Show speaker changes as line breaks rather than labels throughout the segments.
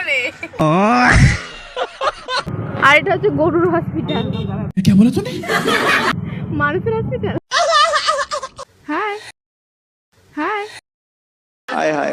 আর এটা হচ্ছে গরুর হসপিটাল।
क्या बोला तूने?
মানুষের hospital. Hi hi
hi hi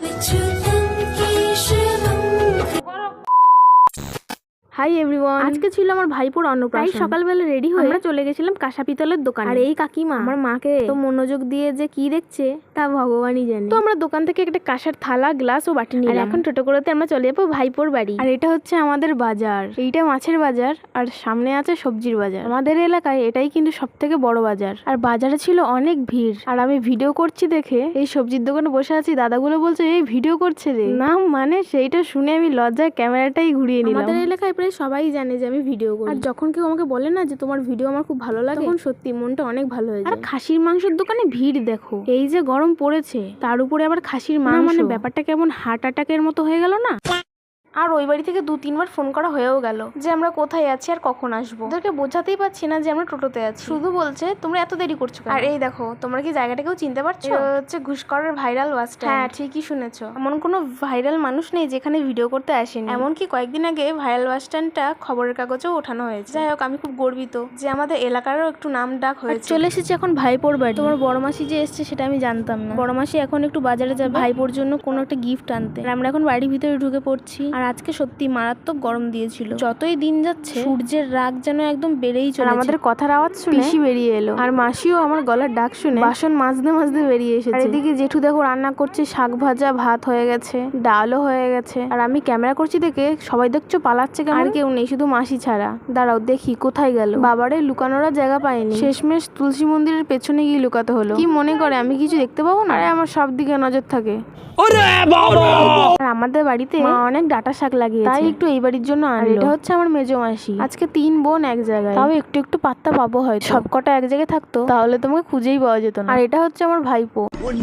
hi everyone, আজকে ছিল আমার ভাইপোর অন্নপ্রাশন। সকালবেলা রেডি হয়ে আমরা চলে গেছিলাম কাঁসা পিতলের দোকানে। আর এই কাকিমা আমার মাকে তো মনোযোগ দিয়ে যে কি দেখছে তা ভগবানই জানে। তো আমরা দোকান থেকে একটা কাঁসার থালা, গ্লাস ও বাটি নিলাম। আর এখন টোটো করেতে আমরা চলে যাবো ভাইপোর বাড়ি। আর এটা হচ্ছে আমাদের বাজার, এইটা মাছের বাজার আর সামনে আছে সবজির বাজার। আমাদের এলাকায় এটাই কিন্তু সব থেকে বড় বাজার। আর বাজারে ছিল অনেক ভিড়। আর আমি ভিডিও করছি দেখে এই সবজির দোকানে বসে আছি, দাদাগুলো বলছে এই ভিডিও করছে রে। না মানে সেইটা শুনে আমি লজ্জায় ক্যামেরাটাই ঘুরিয়ে নিলাম। আমাদের এলাকায় প্রায় সবাই জানে যে আমি ভিডিও করি। আর যখন কেউ আমাকে বলে না যে তোমার ভিডিও আমার খুব ভালো লাগে, তখন সত্যি মনটা অনেক ভালো হয়ে যায়। আর খাসির মাংসের দোকানে ভিড় দেখো, এই যে গরম পড়েছে তার উপরে আবার খাসির মাংস, মানে ব্যাপারটা কেমন হার্ট অ্যাটাকের মতো হয়ে গেল না। আর ওই বাড়ি থেকে 2-3 বার ফোন করা হয়েও গেল যে আমরা কোথায় আছি আর কখন আসবো। ওদেরকে বোঝাতেই পারছি না যে আমরা টোটোতে আছি, শুধু বলছে তোমরা এত দেরি করছো। আর এই দেখো, তোমরা কি জায়গাটাকেও চিনতে পারছো? হচ্ছে ঘুষকরের ভাইরাল বাস স্ট্যান্ড। হ্যাঁ ঠিকই শুনেছো, এমন কোনো ভাইরাল মানুষ নেই যেখানে ভিডিও করতে আসেনি। এমনকি কয়েকদিন আগে ভাইরাল বাস স্ট্যান্ডটা খবরের কাগজেও ওঠানো হয়েছে। যাই হোক, আমি খুব গর্বিত যে আমাদের এলাকারও একটু নাম ডাক হয়েছে। চলে এসেছি এখন ভাইপোর বাড়ি। তোমার বড় মাসি যে এসছে সেটা আমি জানতাম না। বড় মাসি এখন একটু বাজারে যাবে ভাইপোর জন্য কোনো একটা গিফট আনতে। আর আমরা এখন বাড়ির ভিতরে ঢুকে পড়ছি। আর আজকে সত্যি মারাত্মক গরম দিয়েছিল। যতই দিন যাচ্ছে সূর্যের রাগ যেন একদম বেড়েই চলেছে। আমাদের কথার আওয়াজ শুনে পিসি বেরিয়ে এলো। আর মাসিও আমার গলার ডাক শুনে বাসন মাজতে মাজতে বেরিয়ে এসেছে। আর এদিকে জেঠু দেখো রান্না করছে, শাক ভাজা, ভাত হয়ে গেছে, ডালও হয়ে গেছে। আর আমি ক্যামেরা করছি দেখে সবাই দেখছো পালাচ্ছে কেমন। আর কেউ নেই, শুধু মাসি ছাড়া। দাঁড়াও দেখি কোথায় গেল। বাবারে লুকানোর জায়গা পাইনি, শেষমেশ তুলসী মন্দিরের পেছনে গিয়ে লুকাতে হলো। কি মনে করে আমি কিছু দেখতে পাবো না? আরে আমার সব দিকে নজর থাকে। আর আমাদের বাড়িতে মা অনেক ডাটা শাক লাগিয়েছে, তাই একটু এই বাড়ির জন্য আনলো। এটা হচ্ছে আমার মেজো মাসি। আজকে 3 বোন এক জায়গায়, তাও একটু একটু পাত্তা পাবো হয়তো। সবকটা এক জায়গায় থাকতো তাহলে তোমাকে খুঁজেই পাওয়া যেত না। আর এটা হচ্ছে আমার ভাইপো।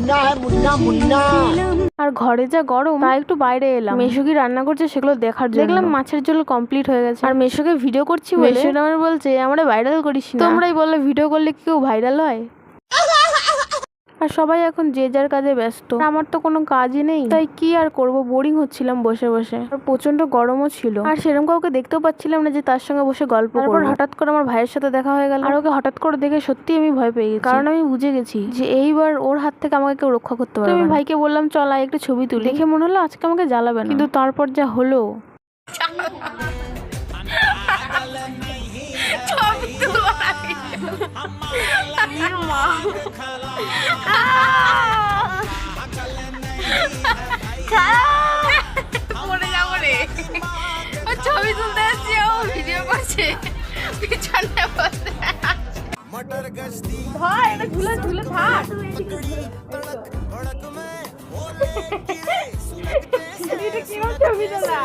আর ঘরে যা গরম, তাই একটু বাইরে এলাম। মেশো কি রান্না করছে সেগুলো দেখার জন্য। দেখলাম মাছের ঝোল কমপ্লিট হয়ে গেছে। আর মেশোকে ভিডিও করছি বলে মেশো আমার বলছে আমরা ভাইরাল করিস না। তোমরাই বললে ভিডিও করলে কি কেউ ভাইরাল হয়? আর সবাই এখন যে যার কাজে ব্যস্ত। আমার তো কোনো কাজই নেই, তাই কি আর করব, বোরিং হচ্ছিলাম বসে বসে। আর প্রচন্ড গরমও ছিল। আর সেরকম কাউকে দেখতেও পাচ্ছিলাম না যে তার সঙ্গে বসে গল্প করব। তারপর হঠাৎ করে আমার ভাইয়ের সাথে দেখা হয়ে গেল। আর ওকে হঠাৎ করে দেখে সত্যি আমি ভয় পেয়ে গেছি, কারণ আমি বুঝে গেছি যে এইবার ওর হাত থেকে আমাকে কেউ রক্ষা করতে পারবে না। আমি ভাইকে বললাম চল একটু ছবি তুলি। দেখে মনে হলো আজকে আমাকে জ্বালাবে না, কিন্তু তারপর যা হলো।
ছবি তুলতে আসছি, ও ভিডিও করছে পিছনে বসে। ভাই এটা ঝুলে ঝুলে থাক। এটা কিরকম ছবি তোলা?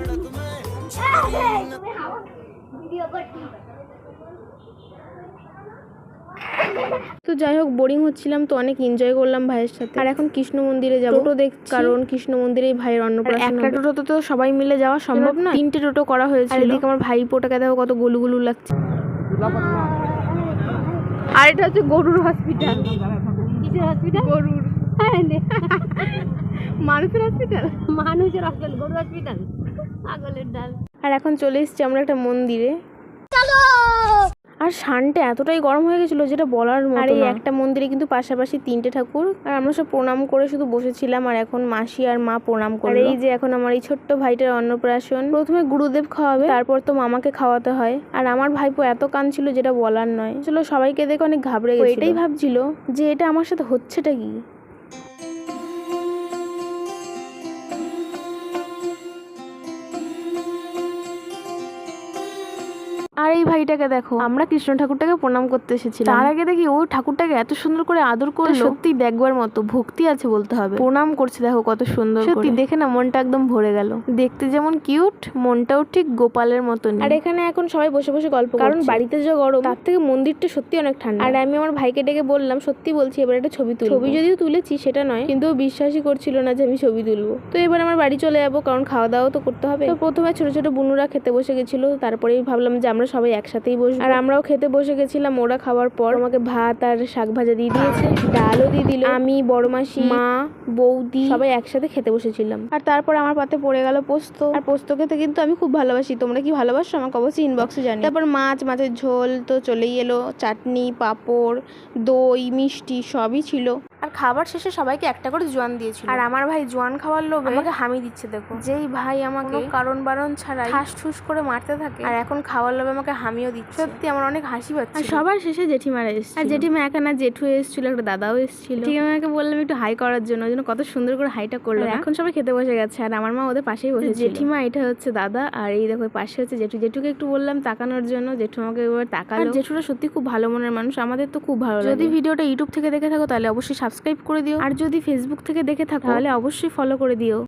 তো যাই হোক, বোরিং হচ্ছিলাম তো অনেক এনজয় করলাম ভাইয়ের সাথে। আর এখন কৃষ্ণ মন্দিরে যাবো। টোটো দেখছি, কারণ কৃষ্ণ মন্দিরেই ভাইয়ের অন্নপ্রাশন। একটা টোটো তো সবাই মিলে যাওয়া সম্ভব না, 3টে টোটো করা হয়েছে। আর এদিকে আমার ভাইপোটাকে দেখো কত গুলুগুলু লাগছে। আর এটা হচ্ছে গরুর হসপিটাল। কিসের হসপিটাল? গরুর। মানুষের হসপিটাল? মানুষের হসপিটাল, গরুর হসপিটাল, পাগলের ডাল। আর এখন চলে এসেছি আমরা একটা মন্দিরে। আর সানটা এতটাই গরম হয়ে গেছিল যেটা বলার মতো না। আর এই একটা মন্দিরে কিন্তু পাশাপাশি 3টে ঠাকুর। আর আমরা সব প্রণাম করে শুধু বসেছিলাম। আর এখন মাসি আর মা প্রণাম করলো। আর এই যে এখন আমার এই ছোট্ট ভাইটার অন্নপ্রাশন। প্রথমে গুরুদেব খাওয়াবে, তারপর তো মামাকে খাওয়াতে হয়। আর আমার ভাইপো এত কাঁদছিল যেটা বলার নয়। চলো সবাইকে দেখে অনেক ঘাবড়ে গেছিল। এটাই ভাবছিল যে এটা আমার সাথে হচ্ছেটা কি। আর এই ভাইটাকে দেখো, আমরা কৃষ্ণ ঠাকুরটাকে প্রণাম করতে এসেছিলাম। তার আগে দেখি ও ঠাকুরটাকে এত সুন্দর করে আদর করলো, সত্যি দেখবার মতো। ভক্তি আছে বলতে হবে। প্রণাম করছে দেখো কত সুন্দর, সত্যি দেখে না মনটা একদম ভরে গেল। দেখতে যেমন কিউট, মনটাও ঠিক গোপালের মতন। আর এখানে এখন সবাই বসে বসে গল্প করছে, কারণ বাড়িতে যে গরম তার থেকে মন্দিরটা সত্যি অনেক ঠান্ডা। আর আমি আমার ভাইকে ডেকে বললাম, সত্যি বলছি এবার একটা ছবি তুলি। ছবি যদিও তুলেছি সেটা নয়, কিন্তু বিশ্বাসই করছিল না যে আমি ছবি তুলবো। তো এবার আমার বাড়ি চলে যাবো, কারণ খাওয়া দাওয়া তো করতে হবে। তো প্রথমে ছোট ছোট বুনুরা খেতে বসে গেছিল, তারপরেই ভাবলাম যে আমরা সবাই একসাথেই বসবো। আর আমরাও খেতে বসে গেছিলাম। ওরা খাওয়ার পর আমাকে ভাত আর শাক ভাজা দিয়ে দিয়েছে, ডালও দিয়ে দিল। আমি, বড় মাসি, মা, বৌদি সবাই একসাথে খেতে বসেছিলাম। আর তারপর আমার পাতে পড়ে গেল পোস্ত। আর পোস্ত খেতে কিন্তু আমি খুব ভালোবাসি। তোমরা কি ভালোবাসো আমাকে অবশ্যই ইনবক্সে জানি। তারপর মাছের ঝোল তো চলেই এলো, চাটনি, পাঁপড়, দই, মিষ্টি সবই ছিল। আর খাবার শেষে সবাইকে একটা করে জোয়ান দিয়েছিল। আর আমার ভাই জোয়ান খাওয়ার লোভে আমাকে হামি দিচ্ছে। দেখো, যেই ভাই আমাকে কারণ বারণ ছাড়াই ঠাস ঠুস করে মারতে থাকে, আর এখন খাওয়ার লোভে আমাকে হামিও দিচ্ছে। সত্যি আমার অনেক হাসি পাচ্ছে। আর সবার শেষে জেঠিমারা এসেছিল। আর জেঠিমা একা না, জেঠু এসেছিল, একটা দাদাও এসেছিল। ঠিক আমাকে বললাম একটু হাই করার জন্য, ওই জন্য কত সুন্দর করে হাইটা করলো। এখন সবাই খেতে বসে গেছে আর আমার মা ওদের পাশেই বসে। জেঠিমা এটা হচ্ছে দাদা, আর এই দেখো পাশে হচ্ছে জেঠু। জেঠুকে একটু বললাম তাকানোর জন্য, জেঠু আমাকে এবার তাকালো। আর জেঠুরা সত্যি খুব ভালো মনের মানুষ, আমাদের তো খুব ভালো লাগে। যদি ভিডিওটা ইউটিউব থেকে দেখে থাকো তাহলে অবশ্যই সাবস্ক্রাইব করে দিও, আর যদি ফেসবুক থেকে দেখে থাকো তাহলে অবশ্যই ফলো করে দিও।